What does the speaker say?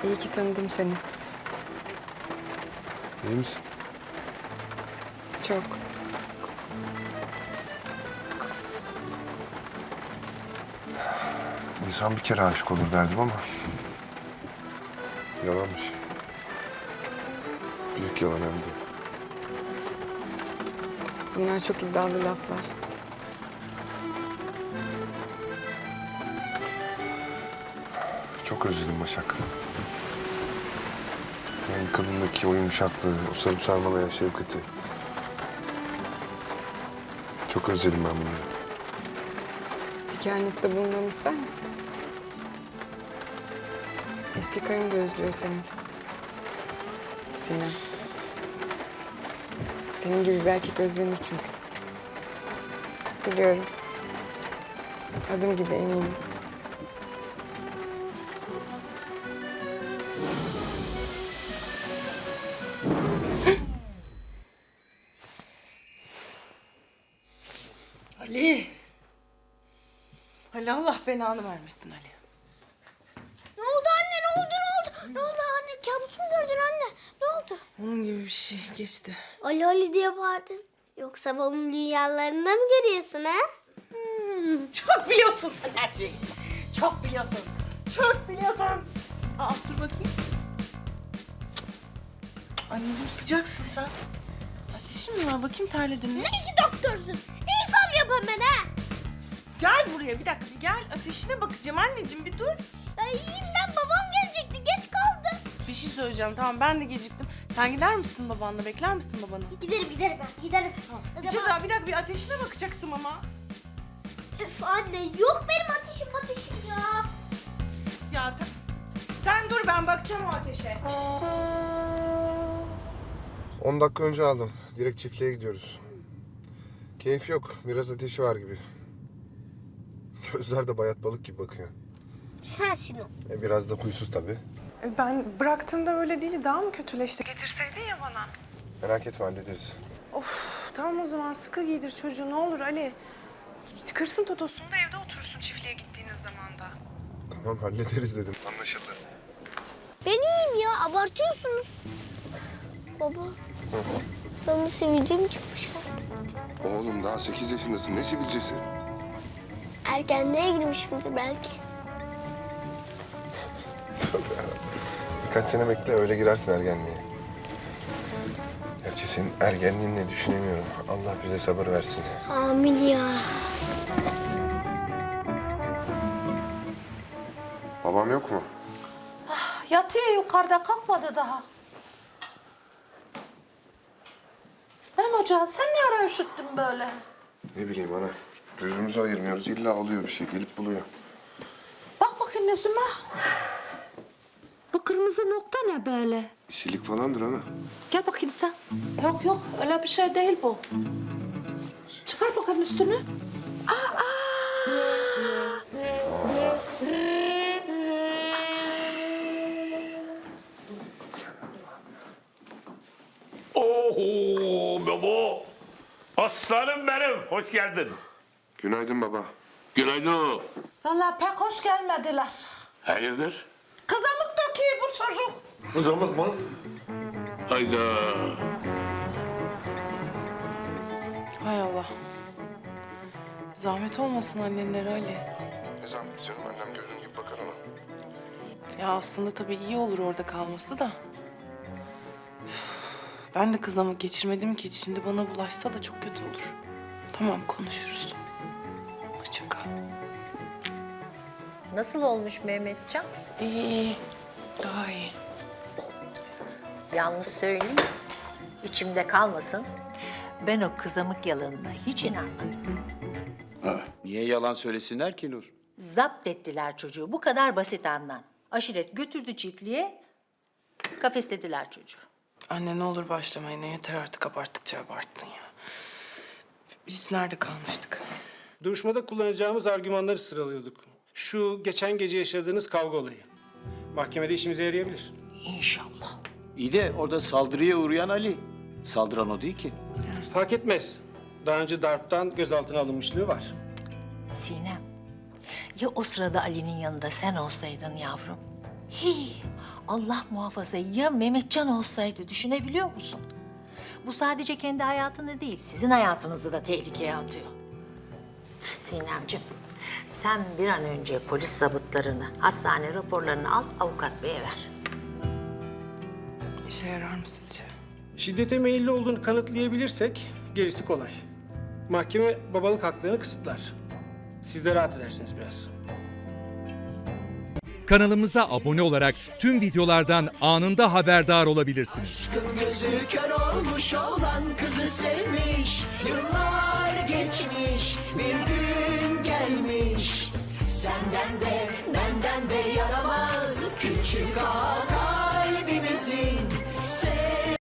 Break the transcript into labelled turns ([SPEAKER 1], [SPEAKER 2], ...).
[SPEAKER 1] İyi ki tanıdım seni.
[SPEAKER 2] İyi misin?
[SPEAKER 1] Çok.
[SPEAKER 2] İnsan bir kere aşık olur derdim ama... yalanmış. Büyük yalan hem de.
[SPEAKER 1] Bunlar çok iddialı laflar.
[SPEAKER 2] Çok özledim Başak. Yani kadındaki o yumuşaklığı, o sarıp sarmalayan şefkati. Çok özledim ben bunları.
[SPEAKER 1] Bir kehanette bulunmamı ister misin? Eski karın da özlüyor seni. Sinem. Senin gibi bir erkek özlenir çünkü. Biliyorum. Adım gibi eminim.
[SPEAKER 3] Ali. Ali Allah belanı vermesin Ali.
[SPEAKER 4] Ne oldu anne? Ne oldu? Ne oldu? Ne oldu anne? Kabus mu gördün anne? Ne oldu?
[SPEAKER 3] Onun gibi bir şey geçti.
[SPEAKER 4] Ali Ali diye bağırdın. Yoksa babamın rüyalarında mı görüyorsun ha?
[SPEAKER 3] Çok biliyorsun sen her şeyi. Çok biliyorsun. Çok biliyorsun. Aa dur bakayım. Anneciğim sıcaksın sen. Ateşin mi var? Bakayım terledin mi?
[SPEAKER 4] Ne ki doktorsun? İrfan yapın ben ha?
[SPEAKER 3] Gel buraya bir dakika bir gel. Ateşine bakacağım anneciğim bir dur.
[SPEAKER 4] Ya iyiyim ben, babam gelecekti. Geç kaldı.
[SPEAKER 3] Bir şey söyleyeceğim tamam ben de geciktim. Sen gider misin babanla? Bekler misin babanı?
[SPEAKER 4] Giderim ben. Giderim.
[SPEAKER 3] Bir şey daha bir dakika bir ateşine bakacaktım ama.
[SPEAKER 4] Üf anne, yok benim ateşim ya.
[SPEAKER 3] Ya sen dur ben bakacağım o ateşe.
[SPEAKER 2] 10 dakika önce aldım. Direkt çiftliğe gidiyoruz. Keyif yok. Biraz ateşi var gibi. Gözler de bayat balık gibi bakıyor.
[SPEAKER 4] Sensin o.
[SPEAKER 2] Biraz da huysuz tabii.
[SPEAKER 3] Ben bıraktığımda öyle değil daha mı kötüleşti? Getirseydin ya bana.
[SPEAKER 2] Merak etme hallederiz.
[SPEAKER 3] Of tamam o zaman sıkı giydir çocuğu ne olur Ali. Kırsın totosunu da evde oturursun çiftliğe gittiğiniz zaman da.
[SPEAKER 2] Tamam hallederiz dedim. Anlaşıldı.
[SPEAKER 4] Ben iyiyim ya, abartıyorsunuz. Baba, bana sivilcem çıkmış ha.
[SPEAKER 2] Oğlum daha 8 yaşındasın. Ne sivilcesi?
[SPEAKER 4] Ergenliğe girmişimdir belki.
[SPEAKER 2] Birkaç sene bekle öyle girersin ergenliğe. Gerçi senin ergenliğini düşünemiyorum. Allah bize sabır versin.
[SPEAKER 4] Amin ya.
[SPEAKER 2] Babam yok mu?
[SPEAKER 5] Yatıyor yukarıda, kalkmadı daha. Hem hoca sen ne ara üşüttün böyle?
[SPEAKER 2] Ne bileyim ana. Gözümüzü ayırmıyoruz. İlla oluyor bir şey. Gelip buluyor.
[SPEAKER 5] Bak bakayım yüzüme. Bu kırmızı nokta ne böyle?
[SPEAKER 2] İşilik falandır ana.
[SPEAKER 5] Gel bakayım sen. Yok yok öyle bir şey değil bu. Çıkar bakayım üstünü.
[SPEAKER 6] Oo baba. Aslanım benim. Hoş geldin.
[SPEAKER 2] Günaydın baba.
[SPEAKER 6] Günaydın.
[SPEAKER 5] Vallahi pek hoş gelmediler.
[SPEAKER 6] Hayırdır?
[SPEAKER 5] Kızamık döküyor bu çocuk.
[SPEAKER 6] Kızamık mı? Hayda.
[SPEAKER 3] Hay Allah. Zahmet olmasın annenlere Ali.
[SPEAKER 2] Ne zahmet canım. Annem gözün gibi bakar ona.
[SPEAKER 3] Ya aslında tabii iyi olur orada kalması da. Üf, ben de kızamık geçirmedim ki şimdi bana bulaşsa da çok kötü olur. Tamam konuşuruz. Hoşça kal.
[SPEAKER 7] Nasıl olmuş Mehmetcan?
[SPEAKER 3] İyi, daha iyi.
[SPEAKER 7] Yalnız söyleyeyim, içimde kalmasın.
[SPEAKER 8] Ben o kızamık yalanına hiç inanmadım.
[SPEAKER 9] Niye yalan söylesinler ki Nur?
[SPEAKER 8] Zapt ettiler çocuğu. Bu kadar basit andan. Aşiret götürdü çiftliğe, kafeslediler çocuğu.
[SPEAKER 3] Anne ne olur başlamayın. Ne yeter artık abarttıkça abarttın ya. Biz nerede kalmıştık?
[SPEAKER 10] Duruşmada kullanacağımız argümanları sıralıyorduk. Şu geçen gece yaşadığınız kavga olayı. Mahkemede işimize yarayabilir.
[SPEAKER 8] İnşallah.
[SPEAKER 9] İyi de orada saldırıya uğrayan Ali. Saldıran o değil ki.
[SPEAKER 10] Fark etmez. Daha önce darptan gözaltına alınmışlığı var.
[SPEAKER 8] Sinem, ya o sırada Ali'nin yanında sen olsaydın yavrum? Hii, Allah muhafaza ya Mehmetcan olsaydı düşünebiliyor musun? Bu sadece kendi hayatını değil, sizin hayatınızı da tehlikeye atıyor.
[SPEAKER 7] Sinemciğim, sen bir an önce polis zabıtlarını, hastane raporlarını al, avukat beye ver.
[SPEAKER 3] İşe yarar mı sizce?
[SPEAKER 10] Şiddete meyilli olduğunu kanıtlayabilirsek gerisi kolay. Mahkeme babalık haklarını kısıtlar. Siz de rahat edersiniz biraz.
[SPEAKER 11] Kanalımıza abone olarak tüm videolardan anında haberdar olabilirsiniz.
[SPEAKER 12] Gözü kör olmuş olan kızı sevmiş. Yıllar geçmiş, bir gün gelmiş. Senden de benden de yaramaz küçük ağa kalbimizin.